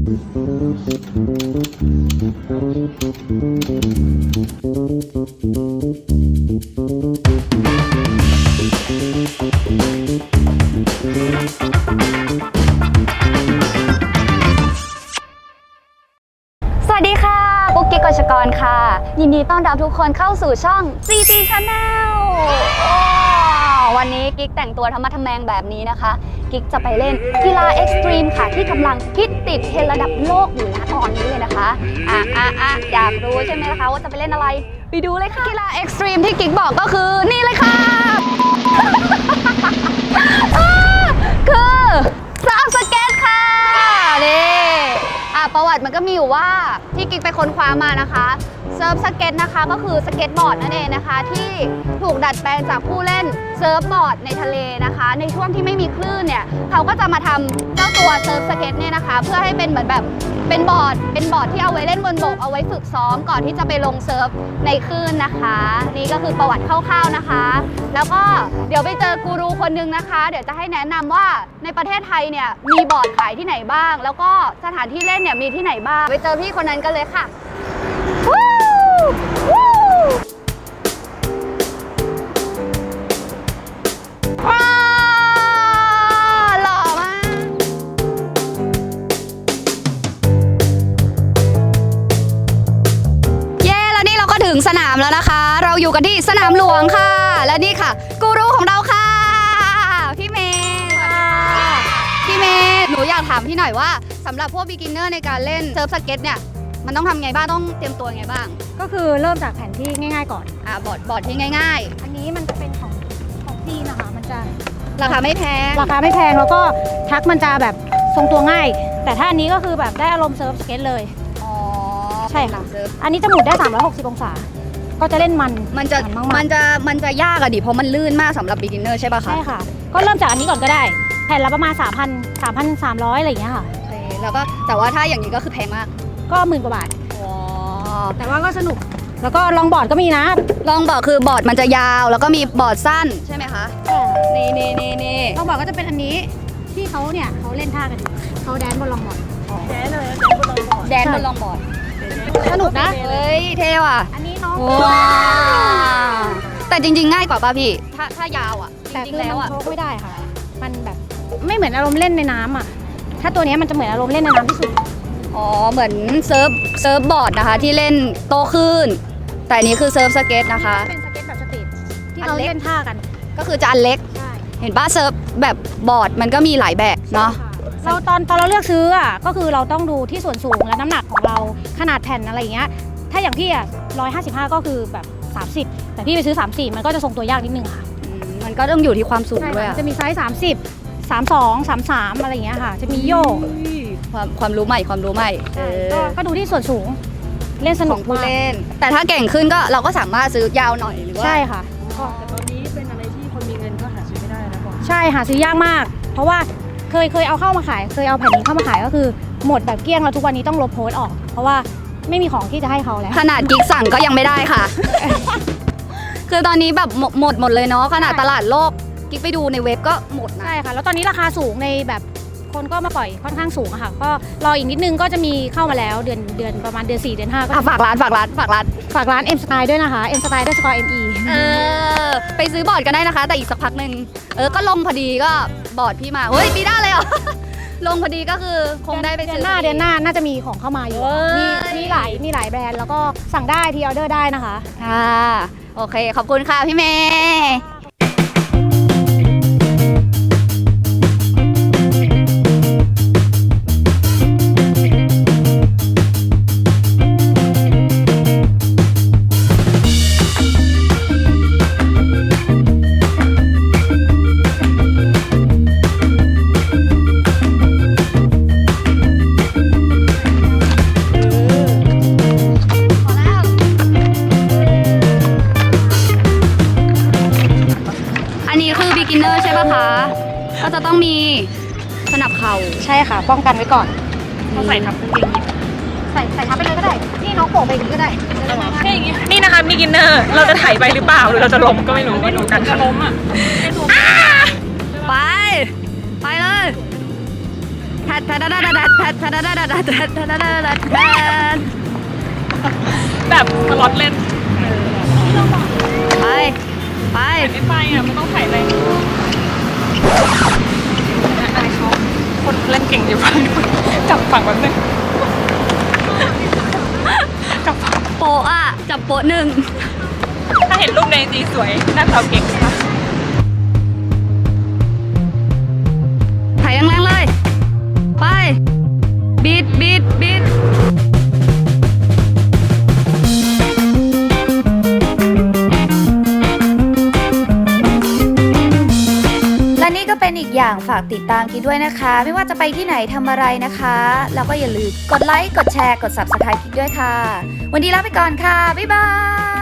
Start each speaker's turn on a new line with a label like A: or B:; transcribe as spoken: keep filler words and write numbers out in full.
A: สวัสดีค่ะกุ๊กกิ๊กกฤษกรค่ะยินดีต้อนรับทุกคนเข้าสู่ช่อง ซี จี Channel วันนี้กิ๊กแต่งตัวธรรมะทแมงแบบนี้นะคะกิ๊กจะไปเล่นกีฬาเอ็กซ์ตรีมค่ะที่กำลังฮิตติดเทรนด์ระดับโลกอยู่ณตอนนี้เลยนะคะอ่ะอ่ะอ่ะอยากรู้ใช่ไหมคะว่าจะไปเล่นอะไรไปดูเลยค่ะกีฬาเอ็กซ์ตรีมที่กิ๊กบอกก็คือนี่เลยค่ะ คือเซิร์ฟสเก็ตค่ะนี่อ่ะประวัติมันก็มีอยู่ว่าที่กิ๊กไปค้นคว้ามานะคะเซิร์ฟสเก็ตนะคะก็คือสเก็ตบอร์ดนั่นเองนะคะที่ถูกดัดแปลงจากผู้เล่นเซิร์ฟบอร์ดในทะเลนะคะในช่วงที่ไม่มีคลื่นเนี่ยเขาก็จะมาทำเจ้าตัวเซิร์ฟสเก็ตเนี่ยนะคะเพื่อให้เป็นเหมือนแบบเป็นบอร์ดเป็นบอร์ดที่เอาไว้เล่นบนบกเอาไว้ฝึกซ้อมก่อนที่จะไปลงเซิร์ฟในคลื่นนะคะนี่ก็คือประวัติคร่าวๆนะคะแล้วก็เดี๋ยวไปเจอกูรูคนนึงนะคะเดี๋ยวจะให้แนะนำว่าในประเทศไทยเนี่ยมีบอร์ดขายที่ไหนบ้างแล้วก็สถานที่เล่นเนี่ยมีที่ไหนบ้างไปเจอพี่คนนั้นกันเลยค่ะวู้วู้ว้าวหล่อมากเย้แล้วนี่เราก็ถึงสนามแล้วนะคะเราอยู่กันที่สนามหลวงค่ะและนี่ค่ะกูรูของเราค่ะพี่เมย์พี่เมย์หนูอยากถามพี่หน่อยว่าสำหรับพวก beginner ในการเล่นเซิร์ฟสเก็ตเนี่ยมันต้องทำไงบ้างต้องเตรียมตัวไงบ้าง
B: ก็คือเริ่มจากแผนที่ง่ายๆก่อน
A: อ่าบอร์ดบอร์ดที่ง่าย
B: ๆอันนี้มันจะเป็นของของจีนนะคะมันจะ
A: ราคาไม่แพง
B: ราคาไม่แพงแล้วก็ทักมันจะแบบทรงตัวง่ายแต่ถ้าอันนี้ก็คือแบบได้อารมณ์เซิร์ฟสเก็ตเลย
A: อ๋อ
B: ใช่ค่ะอันนี้จะหมุนได้สามร้อยหกสิบองศาก็จะเล่นมัน
A: มันจะมันจะมันจะยากอะดิเพราะมันลื่นมากสำหรับ beginner ใช่ป่ะคะ
B: ใช่ค่ะก็เริ่มจากอันนี้ก่อนก็ได้แผ่นละประมาณ สามพัน สามพันสามร้อย อะไรอย่างเงี้ยค่ะ
A: แล้วก็แต่ว่าถ้าอย่างนี้ก็คือแพงมาก
B: ก็หมื่นกว่าบาทแต่ว่าก็สนุกแล้วก็ลองบอร์ดก็มีนะ
A: ลองบอร์ดคือบอร์ดมันจะยาวแล้วก็มีบอร์ดสั้นใช่ไหมคะนี่นี่นี่นี่
B: ลองบอร์ดก็จะเป็นอันนี้ที่เขาเนี่ยเขาเล่นท่ากันเขาแดนบนลองบอร์ด
A: แดนเลยแดนบนลองบอร์ด
B: สนุกนะ
A: เฮ้ยเท่ว่ะ
B: อันนี้น้อง
A: ว้าวแต่จริงๆง่ายกว่าป่ะพี่ถ้าถ้ายาวอ่ะ
B: แต่คือมันโชกไม่ได้ค่ะมันแบบไม่เหมือนอารมณ์เล่นในน้ำอ่ะถ้าตัวนี้มันจะเหมือนอารมณ์เล่นในน้ำที่สุด
A: อ๋อเหมือนเซิร์ฟเซิร์ฟบอร์ดนะคะที่เล่นโตขึ้นแต่อันนี้คือเซิร์ฟสเก็ตนะคะ
B: เป็นสเก็ตแบบสตรีทที่เราเล่นท่ากัน
A: ก็คือจะอันเล็กเห็นป่ะเซิร์ฟแบบบอร์ดมันก็มีหลายแบบเนาะ
B: เราตอนตอนเราเลือกซื้ออ่ะก็คือเราต้องดูที่ส่วนสูงและน้ำหนักของเราขนาดแผ่นอะไรอย่างเงี้ยถ้าอย่างพี่อ่ะร้อยห้าสิบห้าก็คือแบบสามสิบแต่พี่ไปซื้อสามสิบมันก็จะทรงตัวยากนิดนึงค่ะ
A: มันก็ต้องอยู่ที่ความสูงด้วย
B: จะมีไซส์สามสิบ สามสิบสอง สามสิบสามอะไรอย่างเงี้ยค่ะจะมีโยก
A: ความความรู้ใหม่ความรู้ใหม่
B: ก็ดูที่ส่วนสูงเล่นสนุก
A: ผู้เล่นแต่ถ้าเก่งขึ้นก็เราก็สามารถซื้อยาวหน่อยหรือว่า
B: ใช่ค่ะ
C: แต่ตอนนี้เป็นอะไรที่คนมีเงินก็หาซื้อไม่ได้นะบอก
B: ใช่หาซื้อยากมากเพราะว่าเคยเคยเอาเข้ามาขายเคยเอาแผ่นนี้เข้ามาขายก็คือหมดแบบเกลี้ยงแล้วทุกวันนี้ต้องลบโพสต์ออกเพราะว่าไม่มีของที่จะให้เขาแล้ว
A: ขนาดกิ๊กสั่งก็ยังไม่ได้ค่ะ คือตอนนี้แบบหมดหมดเลยเนาะขนาดตลาดโลกกิ๊กไปดูในเว็บก็หมดนะ
B: ใช่ค่ะแล้วตอนนี้ราคาสูงในแบบคนก็มาปล่อยค่อนข้างสูงอะค่ะก็รออีกนิดนึงก็จะมีเข้ามาแล้วเดือนเดือนประมาณเดือนสี่เดือนห้าก็
A: ฝากร้านฝากร้านฝากร้าน
B: ฝากร้าน M Style ด้วยนะคะ M Style ด้วยสกอร์ เอ็ม อี
A: เออไปซื้อบอร์ดกันได้นะคะแต่อีกสักพักหนึ่งเออก็ลงพอดีก็บอร์ดพี่มาเฮ้ยปีหน้าเลยเหรอ ลงพอดีก็คือคงได้ไปซื้อ
B: เดือนหน้าเดือนหน้าน่าจะมีของเข้ามาอยู่มีมีหลายมีหลายแบรนด์แล้วก็สั่งได้ทีออเดอร์ได้นะคะ
A: ค่ะโอเคขอบคุณค่ะพี่เมย์beginner ใช่ป่ะคะก็จะต้องมีสนับเข่า
B: ใช่ค่ะป้องกันไว้ก่อน
C: เขาใส่ทับกางเกง
B: ใส่ใส่ทับไปเลยก็ได้นี่น้องโผล่ไปอย่างนี้ก็ได้
C: นี่นะคะ beginner เราจะถ่ายไปหรือเปล่าหรือเราจะล้มก็ไม่รู้ก็ดูกันจะล้มอ่ะ
A: ไปไปเลยแททัดทัดทัดทัดทัดทัดทัดทัดทัดทัดทัดทัดทัดทัด
C: แบบสล็อตเล่น
A: ไปไป
C: ไม่ไปอ่ะไม่ต้องถ่ายเลยอายเขาคนเล่นเก่งอยู่ฝั่งนู้นจับฝั่งแบบนึงจับฝั่ง
A: โปะอ่ะจับโปะหนึ่ง
C: ถ้าเห็นรูปในจีสวยหน้าสาวเก่งค่ะ
A: ถ่ายแรงๆเลย ไปบีดบีดบีด
D: และนี่ก็เป็นอีกอย่างฝากติดตามกิ๊กด้วยนะคะ ไม่ว่าจะไปที่ไหนทำอะไรนะคะ แล้วก็อย่าลืมกดไลค์ กดแชร์ กด ซับสไครบ์ กิ๊กด้วยค่ะ วันนี้ลาไปก่อนค่ะ บ๊ายบาย